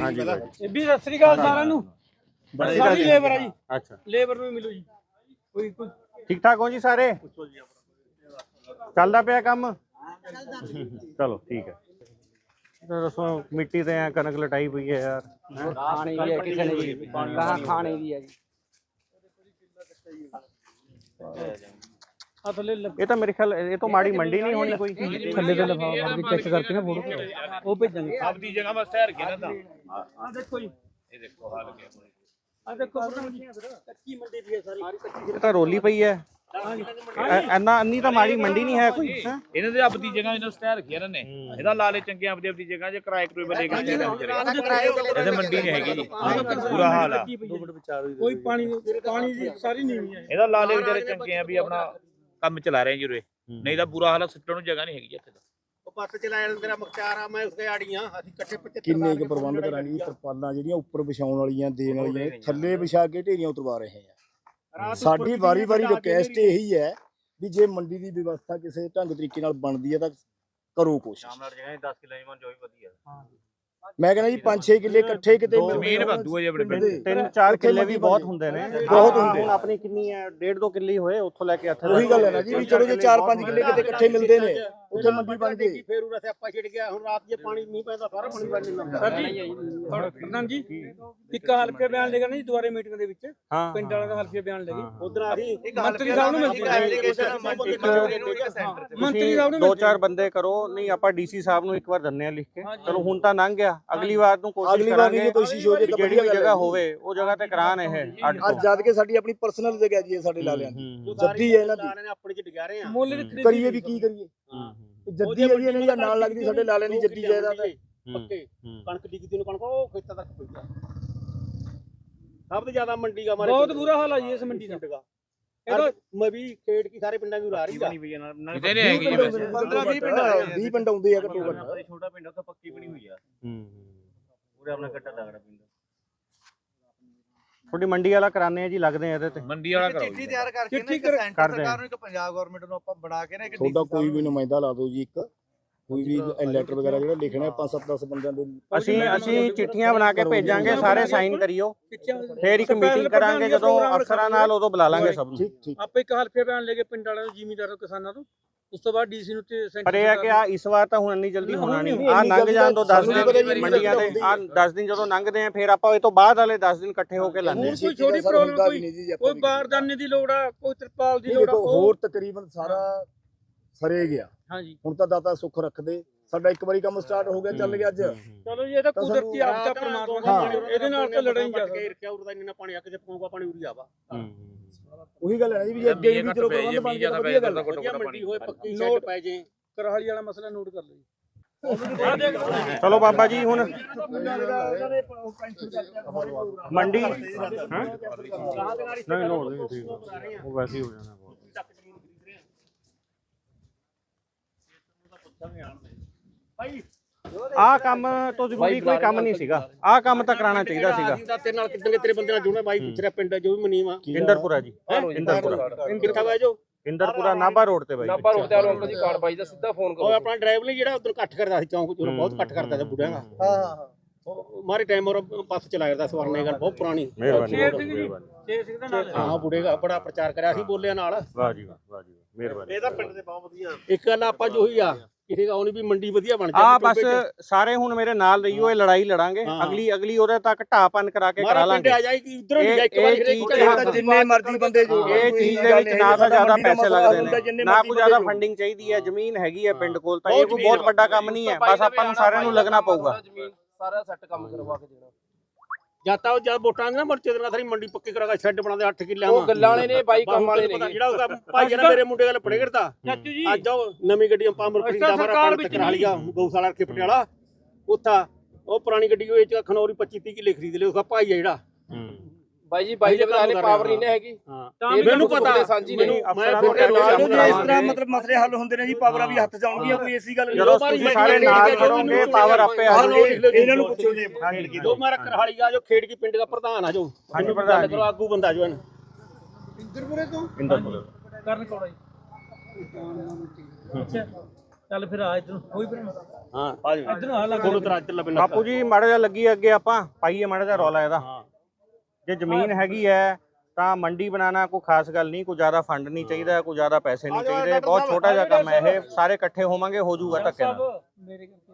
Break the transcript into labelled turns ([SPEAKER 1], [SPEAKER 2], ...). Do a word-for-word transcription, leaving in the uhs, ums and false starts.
[SPEAKER 1] हाँ जी
[SPEAKER 2] ਇਹ ਵੀ ਸਤਿ ਸ੍ਰੀ ਅਕਾਲ ਸਾਰਿਆਂ ਨੂੰ ਸਾਰੀ ਲੇਬਰ ਆ ਜੀ
[SPEAKER 1] अच्छा
[SPEAKER 2] ਲੇਬਰ ਨੂੰ ਮਿਲੋ ਜੀ ਕੋਈ ਕੋਈ
[SPEAKER 1] ठीक ठाक हो जी सारे चलदा पिया काम चलो ठीक है दसो मिट्टी ते कनक लटाई पई है यार
[SPEAKER 2] ਖਾਣੇ ਦੀ ਹੈ ਕਿਸੇ ਨੇ ਜੀ ਕਹਾਂ ਖਾਣੇ ਦੀ ਹੈ ਜੀ ਆ ਥੱਲੇ
[SPEAKER 1] ये तो मेरे ख्याल ये तो माड़ी मंडी नहीं होनी कोई
[SPEAKER 2] ਥੱਲੇ ਤੇ ਲਫਾਫਾ ਮਾਰ ਕੇ ਚੈੱਕ ਕਰਕੇ ਨਾ ਫੋਟੋ ਉਹ ਭੇਜਾਂਗੇ
[SPEAKER 3] ਆਪਦੀ ਜਗ੍ਹਾ ਬਸ ਠਹਿਰ ਕੇ ਨਾ ਤਾਂ
[SPEAKER 2] ਆ ਦੇਖੋ ਜੀ
[SPEAKER 3] ਇਹ ਦੇਖੋ ਹਾਲ ਕੀ ਹੈ
[SPEAKER 2] ਆ ਦੇਖੋ ਕੱਚੀ ਮੰਡੀ ਦੀ ਹੈ ਸਾਰੀ ਕੱਚੀ
[SPEAKER 1] ये तो रोली पई है अन्ना अन्नी तो माड़ी मंडी नहीं है कोई हैं?
[SPEAKER 3] ਇਹਨਾਂ ਦੇ ਆਪਦੀ ਜਗ੍ਹਾ ਇਹਨਾਂ ਸਟੈਰ ਰੱਖੀ ਇਹਨਾਂ ਨੇ ਇਹਦਾ ਲਾ ਲੈ ਚੰਗੇ ਆਪਦੀ ਆਪਦੀ ਜਗ੍ਹਾ ਜੇ ਕਿਰਾਏ ਕਰੂਏ ਬਲੇ ਗਏ ਇਹਦੇ ਮੰਡੀ ਨਹੀਂ ਹੈਗੀ ਜੀ ਬੁਰਾ ਹਾਲ ਆ
[SPEAKER 2] ਕੋਈ ਪਾਣੀ ਪਾਣੀ ਦੀ ਸਾਰੀ ਨੀਵੀਂ ਹੈ
[SPEAKER 3] ਇਹਦਾ ਲਾ ਲੈ ਵਿਚਾਰੇ ਚੰਗੇ ਆ ਵੀ ਆਪਣਾ ਕੰਮ ਚਲਾ ਰਹੇ ਜੀ ਉਰੇ ਨਹੀਂ ਤਾਂ ਬੁਰਾ ਹਾਲ ਆ ਸਿੱਟਣ ਨੂੰ ਜਗ੍ਹਾ ਨਹੀਂ ਹੈਗੀ ਇੱਥੇ ਤਾਂ
[SPEAKER 4] ਉਹ ਬੱਸ ਚਲਾਇਆ ਤੇਰਾ ਮੁਖਤਾਰ ਆ ਮੈਂ ਉਸਕੇ ਆੜੀਆਂ ਅਸੀਂ ਇਕੱਠੇ ਪੱਚੇ
[SPEAKER 5] ਕਿੰਨੇ ਕੁ ਪ੍ਰਬੰਧ ਕਰਾਂਗੇ ਤਰਪਾਲਾਂ ਜਿਹੜੀਆਂ ਉੱਪਰ ਵਿਛਾਉਣ ਵਾਲੀਆਂ ਦੇਣ ਵਾਲੀਆਂ ਥੱਲੇ ਵਿਛਾ ਕੇ ਢੇਰੀਆਂ ਉਤਰਵਾ ਰਹੇ ਆ ਸਾਡੀ ਵਾਰੀ ਵਾਰੀ ਰਿਕੁਐਸਟ ਇਹੀ ਹੈ ਵੀ ਜੇ ਮੰਡੀ ਦੀ ਵਿਵਸਥਾ ਕਿਸੇ ਢੰਗ ਤਰੀਕੇ ਨਾਲ ਬਣਦੀ ਹੈ ਤਾਂ ਕਰੋ ਕੋਸ਼ਿਸ਼
[SPEAKER 3] ਦਸ ਕਿਲੋ ਜੋ ਵੀ ਵਧੀਆ
[SPEAKER 5] ਮੈਂ ਕਹਿੰਦਾ ਜੀ ਪੰਜ ਛੇ ਕਿੱਲੇ ਇਕੱਠੇ ਕਿਤੇ
[SPEAKER 3] ਜ਼ਮੀਨ ਵਾਧੂ ਹੈ ਜੀ ਆਪਣੇ ਪਿੰਡ
[SPEAKER 1] तीन चार किले भी बहुत ਹੁੰਦੇ ਨੇ
[SPEAKER 5] ਬਹੁਤ ਹੁੰਦੇ
[SPEAKER 1] ਹੁਣ ਆਪਣੀ ਕਿੰਨੀ ਹੈ ਡੇਢ ਦੋ ਕਿੱਲੇ ਹੋਏ ਉੱਥੋਂ ਲੈ ਕੇ ਇੱਥੇ
[SPEAKER 5] ਉਹੀ ਗੱਲ ਹੈ ਨਾ ਜੀ ਵੀ ਚਲੋ ਜੇ ਚਾਰ ਪੰਜ ਕਿੱਲੇ ਕਿਤੇ ਇਕੱਠੇ ਮਿਲਦੇ ਨੇ ਉੱਥੇ ਮੰਡੀ ਬਣ ਗਈ
[SPEAKER 4] ਫੇਰ ਉਰੇ ਸਿਆਪਾ ਛਿੜ ਗਿਆ ਹੁਣ ਰਾਤ ਜੇ ਪਾਣੀ ਨਹੀਂ ਪੈਂਦਾ ਸਾਰਾ ਪਾਣੀ ਬਣ ਜਾਂਦਾ
[SPEAKER 2] ਸਰ ਜੀ ਪ੍ਰਧਾਨ ਜੀ ਇੱਕ ਹਲਕੇ ਬਿਆਨ ਲੈ ਕੇ ਨਾ ਜੀ ਦੁਆਰੇ ਮੀਟਿੰਗ ਦੇ ਵਿੱਚ
[SPEAKER 1] ਹਾਂ
[SPEAKER 2] ਪਿੰਡ ਵਾਲਿਆਂ ਦਾ ਹਲਕੇ ਬਿਆਨ ਲੈ ਕੇ
[SPEAKER 4] ਉਧਰ ਅਸੀਂ
[SPEAKER 2] ਮੰਤਰੀ ਸਾਹਿਬ ਨੂੰ ਮੰਤਰੀ ਸਾਹਿਬ ਨੂੰ
[SPEAKER 1] ਦੋ ਚਾਰ ਬੰਦੇ ਕਰੋ ਨਹੀਂ ਆਪਾਂ ਡੀਸੀ ਸਾਹਿਬ ਨੂੰ ਇੱਕ ਵਾਰ ਦੰਨੇ ਆ ਲਿਖ ਕੇ ਚਲੋ ਹੁਣ ਤਾਂ ਲੰਘ ਗਿਆ ਅਗਲੀ ਵਾਰ ਨੂੰ ਕੋਸ਼ਿਸ਼
[SPEAKER 5] ਅਗਲੀ ਵਾਰ
[SPEAKER 1] ਕਰਾਂਗੇ
[SPEAKER 5] ਦੀ ਕੋਸ਼ਿਸ਼ ਹੋ ਜੇ ਤਾਂ
[SPEAKER 1] ਜਿਹੜੀ ਵੀ ਜਗ੍ਹਾ ਹੋਵੇ ਉਹ ਜਗ੍ਹਾ ਤੇ ਕਰਾਣ ਇਹ ਅੱਡ
[SPEAKER 5] ਅੱਜ ਜਦ ਕੇ ਸਾਡੀ ਆਪਣੀ ਪਰਸਨਲ ਜਗ੍ਹਾ ਜੀ ਇਹ ਸਾਡੇ ਲਾਲਿਆਂ ਦੀ ਜੱਦੀ ਹੈ ਇਹਨਾਂ ਦੀ
[SPEAKER 4] ਨੇ ਆਪਣੇ ਚ ਡਿਗਾ ਰਹੇ ਆ
[SPEAKER 2] ਮੁੱਲ ਦੀ ਖਰੀਦੀ
[SPEAKER 5] ਕਰੀਏ ਵੀ ਕੀ ਕਰੀਏ ਜੱਦੀ ਹੈ ਜੀ ਇਹਨਾਂ ਦੀ ਨਾਲ ਲੱਗਦੀ ਸਾਡੇ ਲਾਲਿਆਂ ਦੀ ਜੱਦੀ ਜਾਇਦਾਦ ਹੈ
[SPEAKER 4] ਪੱਕੇ ਕਣਕ ਡਿੱਗਦੀ ਨੂੰ ਕਣਕ ਉਹ ਖੇਤਾਂ ਤੱਕ ਪਈ ਆ ਸਭ ਤੋਂ ਜ਼ਿਆਦਾ ਮੰਡੀ ਦਾ ਮਾਰੇ
[SPEAKER 2] ਬਹੁਤ ਬੁਰਾ ਹਾਲ ਆ ਜੀ ਇਸ ਮੰਡੀ ਦਾ
[SPEAKER 4] ਇਹਦਾ ਮੈਂ ਵੀ ਖੇਡ ਕੀ ਸਾਰੇ ਪਿੰਡਾਂ ਨੂੰ ਉਰਾ ਰਹੀ ਆ
[SPEAKER 3] ਕਿਤੇ ਨਹੀਂ ਹੈਗੀ ਜੀ ਵੈਸੇ
[SPEAKER 4] ਪੰਦਰਾਂ ਵੀਹ ਪਿੰਡ ਆ
[SPEAKER 5] ਵੀਹ ਪਿੰਡ ਆਉਂਦੇ ਆ ਘੱਟੋ ਘੱਟ
[SPEAKER 3] ਛੋਟਾ ਪਿੰਡ ਉੱਥੇ ਪੱਕੀ ਬਣੀ ਹੋਈ ਆ ਪੂਰੇ ਆਪਣਾ ਕੱਟਾ ਤਗੜਾ ਪਿੰਡ
[SPEAKER 1] ਥੋੜੀ ਮੰਡੀ ਵਾਲਾ ਕਰਾਣੇ ਆ ਜੀ ਲੱਗਦੇ ਆ ਇਹਦੇ ਤੇ
[SPEAKER 3] ਮੰਡੀ ਵਾਲਾ ਕਰੋ
[SPEAKER 6] ਚਿੱਠੀ ਤਿਆਰ ਕਰਕੇ ਨਾ ਇੱਕ ਸੈਂਟਰ ਸਰਕਾਰ ਨੂੰ ਇੱਕ ਪੰਜਾਬ ਗਵਰਨਮੈਂਟ ਨੂੰ ਆਪਾਂ ਬਣਾ ਕੇ ਨਾ ਇੱਕ
[SPEAKER 5] ਤੁਹਾਡਾ ਕੋਈ ਵੀ ਨੁਮਾਇੰਦਾ ਲਾ ਦਿਓ ਜੀ ਇੱਕ ਕੋਈ ਵੀ ਲੈਟਰ ਵਗੈਰਾ ਜਿਹੜਾ ਲਿਖਣਾ ਪੰਜ ਸੱਤ ਦਸ ਬੰਦਿਆਂ ਦੇ
[SPEAKER 1] ਅਸੀਂ ਅਸੀਂ ਚਿੱਠੀਆਂ ਬਣਾ ਕੇ ਭੇਜਾਂਗੇ ਸਾਰੇ ਸਾਈਨ ਕਰਿਓ ਫੇਰ ਇੱਕ ਮੀਟਿੰਗ ਕਰਾਂਗੇ ਜਦੋਂ ਅਫਸਰਾਂ ਨਾਲ ਉਦੋਂ ਬੁਲਾ ਲਾਂਗੇ ਸਭ ਨੂੰ
[SPEAKER 5] ਠੀਕ ਠੀਕ
[SPEAKER 2] ਆਪੇ ਇੱਕ ਹਲਕੇ ਬਿਆਨ ਲੈ ਕੇ ਪਿੰਡ ਵਾਲਿਆਂ ਨੂੰ ਜ਼ਿਮੀਂਦਾਰਾਂ ਕਿਸਾਨਾਂ ਤੋਂ ਉਸ ਤੋਂ ਬਾਅਦ ਡੀਸੀ ਨੂੰ ਤੇ
[SPEAKER 1] ਪਰ ਇਹ ਆ ਕਿ ਆ ਇਸ ਵਾਰ ਤਾਂ ਹੁਣ ਇੰਨੀ ਜਲਦੀ ਹੋਣਾ ਨਹੀਂ ਆ ਲੰਘ ਜਾਣ ਤੋਂ ਦਸ ਦਿਨ ਮੰਡੀਆਂ ਦੇ ਆ ਦਸ ਦਿਨ ਜਦੋਂ ਲੰਘਦੇ ਆ ਫਿਰ ਆਪਾਂ ਇਹ ਤੋਂ ਬਾਅਦ ਵਾਲੇ ਦਸ ਦਿਨ ਇਕੱਠੇ ਹੋ ਕੇ ਲਾਂਦੇ
[SPEAKER 2] ਹੁਣ ਕੋਈ ਛੋਟੀ ਪ੍ਰੋਬਲਮ ਕੋਈ ਕੋਈ ਬਾਰਦਾਨੇ ਦੀ ਲੋੜ ਆ ਕੋਈ ਤਰਪਾਲ ਦੀ ਲੋੜ ਆ
[SPEAKER 5] ਹੋਰ ਤਕਰੀਬਨ ਸਾਰਾ ਸਰੇ ਗਿਆ
[SPEAKER 2] ਹਾਂਜੀ
[SPEAKER 5] ਹੁਣ ਤਾਂ ਦਾਤਾ ਸੁੱਖ ਰੱਖਦੇ ਸਾਡਾ ਇੱਕ ਵਾਰੀ ਕੰਮ ਸਟਾਰਟ ਹੋ ਗਿਆ ਚੱਲ ਗਿਆ ਅੱਜ
[SPEAKER 2] ਚਲੋ ਜੀ ਇਹ ਤਾਂ ਕੁਦਰਤੀ ਆਪਦਾ ਪਰਮਾਤਮਾ ਦਾ ਇਹਦੇ ਨਾਲ ਤਾਂ ਲੜਾਈ ਨਹੀਂ ਜਾ ਸਕਦਾ
[SPEAKER 4] ਰੱਖਿਆ ਉਰਦਾ ਇੰਨਾ ਪਾਣੀ ਆ ਕੇ ਪਊਗਾ ਪਾਣੀ ਉਰੀ ਆਵਾ
[SPEAKER 5] ਉਹੀ ਗੱਲ ਹੈ ਨਾ ਜੀ ਵੀ ਅੱਗੇ ਵੀ ਚਲੋ ਪ੍ਰਬੰਧ ਬਣ ਗਿਆ ਵਧੀਆ ਗੱਲ ਹੈ
[SPEAKER 4] ਵਧੀਆ ਮੰਡੀ ਹੋਏ ਪੱਕੀ ਸ਼ੈੱਡ ਪੈ ਜੇ
[SPEAKER 2] ਕਰਹਾਲੀ ਵਾਲਾ ਮਸਲਾ ਨੋਟ ਕਰ ਲਓ ਜੀ
[SPEAKER 1] ਚਲੋ ਬਾਬਾ ਜੀ ਹੁਣ ਮੰਡੀ ਹਾਂ ਨਹੀਂ ਲੋੜ ਨਹੀਂ ਠੀਕ ਉਹ ਵੈਸੇ ਹੀ ਹੋ ਜਾਣਾ ਆ ਕੰਮ ਤੋਂ ਜ਼ਰੂਰੀ ਕੋਈ ਕੰਮ ਨਹੀਂ ਸੀਗਾ ਆ ਕੰਮ ਤਾਂ ਕਰਾਉਣਾ ਚਾਹੀਦਾ ਸੀਗਾ
[SPEAKER 4] ਤੇਰੇ ਨਾਲ ਕਿੱਦਾਂ ਤੇਰੇ ਬੰਦੇ ਨਾਲ ਜੁੜਨਾ ਬਾਈ ਪੁੱਛ ਰਿਹਾ ਪਿੰਡ ਜੋ ਵੀ ਮਨੀਵਾ
[SPEAKER 1] ਇੰਦਰਪੁਰਾ ਜੀ ਇੰਦਰਪੁਰਾ
[SPEAKER 4] ਕਿੱਥਾ ਬਾਈ ਜੋ
[SPEAKER 1] ਇੰਦਰਪੁਰਾ ਨਾਭਾ ਰੋਡ ਤੇ ਬਾਈ
[SPEAKER 3] ਨਾਭਾ ਰੋਡ ਤੇ ਆਲੋ ਅੰਕਲ ਜੀ ਕਾਰਡ ਬਾਈ ਦਾ ਸਿੱਧਾ ਫੋਨ
[SPEAKER 4] ਉਹ ਆਪਣਾ ਡਰਾਈਵਰ ਲਈ ਜਿਹੜਾ ਉਧਰ ਇਕੱਠ ਕਰਦਾ ਸੀ ਚੌਂਕ ਚੋਂ ਬਹੁਤ ਇਕੱਠ ਕਰਦਾ ਸੀ ਬੁੱਢਿਆਂ ਦਾ ਹਾਂ ਹਾਂ ਮਾਰੇ ਟਾਈਮ ਔਰ ਬੱਸ ਚਲਾਇਆ ਕਰਦਾ ਸਵਰਨੇ ਗੱਲ ਬਹੁਤ ਪੁਰਾਣੀ
[SPEAKER 1] ਮਿਹਰਬਾਨੀ
[SPEAKER 2] ਸ਼ੇਰ ਸਿੰਘ ਜੀ ਸ਼ੇਰ ਸਿੰਘ ਦਾ ਨਾਲ
[SPEAKER 4] ਹਾਂ ਬੁੱਢੇ ਦਾ ਬੜਾ ਪ੍ਰਚਾਰ ਕਰਿਆ ਸੀ ਬੋਲਿਆ ਨਾਲ
[SPEAKER 1] ਵਾਹ ਜੀ ਵਾਹ ਜੀ ਮਿਹਰਬਾਨੀ
[SPEAKER 4] ਇਹਦਾ ਪਿੰਡ ਦੇ ਬਹੁਤ ਵਧੀਆ ਇੱਕ ਗੱਲ ਆਪਾਂ ਜੋ ਹੀ ਆ ਕਿਸੇ ਦਾ ਉਹਨੇ ਵੀ ਮੰਡੀ ਵਧੀਆ ਬਣ
[SPEAKER 1] ਆ ਬਸ ਸਾਰੇ ਹੁਣ ਮੇਰੇ ਨਾਲ ਰਹੀਓ ਇਹ ਲੜਾਈ ਲੜਾਂਗੇ ਅਗਲੀ ਅਗਲੀ ਉਹਦੇ ਤੱਕ ਢਾਪਨ ਕਰਾ ਕੇ ਕਰਾ ਲਾਂਗੇ
[SPEAKER 4] ਆ ਜਾਈ ਕਿ ਉਧਰ ਨਹੀਂ ਜਾਈ ਇੱਕ ਵਾਰ
[SPEAKER 5] ਜਿੰਨੇ ਮਰਜ਼ੀ ਬੰਦੇ ਜੋ
[SPEAKER 1] ਇਹ ਚੀਜ਼ ਦੇ ਵਿੱਚ ਨਾ ਤਾਂ ਜ਼ਿਆਦਾ ਪੈਸੇ ਲੱਗਦੇ ਨੇ ਨਾ ਕੋਈ ਜ਼ਿਆਦਾ ਫੰਡਿੰਗ ਚਾਹੀਦੀ ਹੈ ਜ਼ਮੀਨ ਹੈਗੀ ਹੈ ਪਿੰਡ ਕੋਲ ਤਾਂ ਇਹ ਕੋਈ ਬਹੁਤ ਵੱਡਾ ਕੰਮ ਨਹੀਂ ਹੈ ਬਸ ਆਪਾਂ ਨੂੰ ਸਾਰਿਆਂ ਨੂੰ ਲੱਗਣਾ ਪਊਗਾ
[SPEAKER 3] ਸਾਰਾ ਸੈੱਟ ਕੰਮ ਕਰਵਾ ਕੇ ਦੇਣਾ
[SPEAKER 4] ਜਾਤਾ ਉਹ ਜਦ ਵੋਟਾਂ ਨਾ ਮਰਚੇ ਦੇ ਨਾਲ ਸਾਰੀ ਮੰਡੀ ਪੱਕੀ ਕਰਾ ਕੇ ਸ਼ੈੱਡ ਬਣਾਉਂਦੇ ਅੱਠ ਕਿੱਲੇ
[SPEAKER 3] ਉਹ ਗੱਲਾਂ ਵਾਲੇ ਨੇ ਬਾਈ ਕੰਮ ਵਾਲੇ ਨੇ
[SPEAKER 4] ਜਿਹੜਾ ਉਹਦਾ ਭਾਈ ਜਿਹੜਾ ਮੇਰੇ ਮੁੰਡੇ ਗੱਲ ਪੜੇ ਕਰਦਾ
[SPEAKER 2] ਚਾਚੂ ਜੀ
[SPEAKER 4] ਅੱਜ ਉਹ ਨਵੀਂ ਗੱਡੀ ਪਾਮਰ ਖਰੀਦਾ ਮਾਰਾ ਪਿੰਡ ਤੱਕ ਕਰਾ ਲਿਆ ਗਊਸ਼ਾਲਾ ਰੱਖੇ ਪਟਿਆਲਾ ਉੱਥਾ ਉਹ ਪੁਰਾਣੀ ਗੱਡੀ ਉਹ ਚ ਖਨੌਰੀ ਪੱਚੀ ਤੀਹ ਕਿੱਲੇ ਖਰੀਦ ਲਏ ਉਹਦਾ ਭਾਈ ਆ ਜਿਹੜਾ
[SPEAKER 3] ਬਾਈ ਜੀ ਬਾਈ ਦੇ ਬਤਾਲੇ ਪਾਵਰ ਨਹੀਂ ਹੈਗੀ
[SPEAKER 4] ਹਾਂ ਮੈਨੂੰ ਪਤਾ
[SPEAKER 3] ਸਾਂਝੀ ਨਹੀਂ
[SPEAKER 4] ਮੈਂ ਤੁਹਾਡੇ ਨਾਲ
[SPEAKER 5] ਇਸ ਤਰ੍ਹਾਂ ਮਤਲਬ ਮਸਲੇ ਹੱਲ ਹੁੰਦੇ ਨੇ ਜੀ ਪਾਵਰਾਂ ਵੀ ਹੱਥ ਚ ਆਉਣਗੀਆਂ ਕੋਈ ਐਸੀ ਗੱਲ
[SPEAKER 1] ਜਦੋਂ ਤੁਸੀਂ ਸਾਰੇ ਨਾਲ ਖੜੋਗੇ ਪਾਵਰ ਆਪੇ ਆ ਜਾਊਗੀ
[SPEAKER 5] ਇਹਨਾਂ ਨੂੰ ਪੁੱਛੋ ਜੀ
[SPEAKER 4] ਜੋ ਮਾਰਾ ਕਰਹਾਲੀ ਦਾ ਜੋ ਖੇਡ ਕੀ ਪਿੰਡ ਦਾ ਪ੍ਰਧਾਨ ਆ ਜੋ
[SPEAKER 1] ਹਾਂਜੀ ਪ੍ਰਧਾਨ ਜੀ
[SPEAKER 4] ਆਗੂ ਬੰਦਾ ਜੋ
[SPEAKER 2] ਇੰਦਰਪੁਰੇ ਤੋਂ
[SPEAKER 1] ਇੰਦਰਪੁਰੇ
[SPEAKER 2] ਕਰਨ ਕੋੜਾ ਜੀ ਅੱਛਾ ਚੱਲ ਫਿਰ ਆ ਇਧਰ ਕੋਈ ਫਿਰ
[SPEAKER 4] ਹਾਂ ਆ ਜਾ
[SPEAKER 2] ਇਧਰ ਆ ਲੱਗ
[SPEAKER 4] ਕੋਲ ਤਰਾ ਇੱਧਰ ਲੱਭੇ
[SPEAKER 1] ਬਾਪੂ ਜੀ ਮਾੜਾ ਜਿਹਾ ਲੱਗੀ ਅੱਗੇ ਆਪਾਂ ਪਾਈਏ ਮਾੜਾ ਜਿਹਾ ਰੌਲਾ ਇਹਦਾ। ਜੇ ਜ਼ਮੀਨ ਹੈਗੀ ਹੈ ਤਾਂ ਮੰਡੀ ਬਣਾਉਣਾ ਕੋਈ ਖਾਸ ਗੱਲ ਨਹੀਂ, ਕੋਈ ਜ਼ਿਆਦਾ ਫੰਡ ਨਹੀਂ ਚਾਹੀਦਾ, ਕੋਈ ਜ਼ਿਆਦਾ ਪੈਸੇ ਨਹੀਂ ਚਾਹੀਦੇ, ਬਹੁਤ ਛੋਟਾ ਜਿਹਾ ਕੰਮ ਹੈ ਇਹ, ਸਾਰੇ ਇਕੱਠੇ ਹੋਵਾਂਗੇ ਹੋ ਜਾਊਗਾ ਧੱਕੇ ਨਾਲ।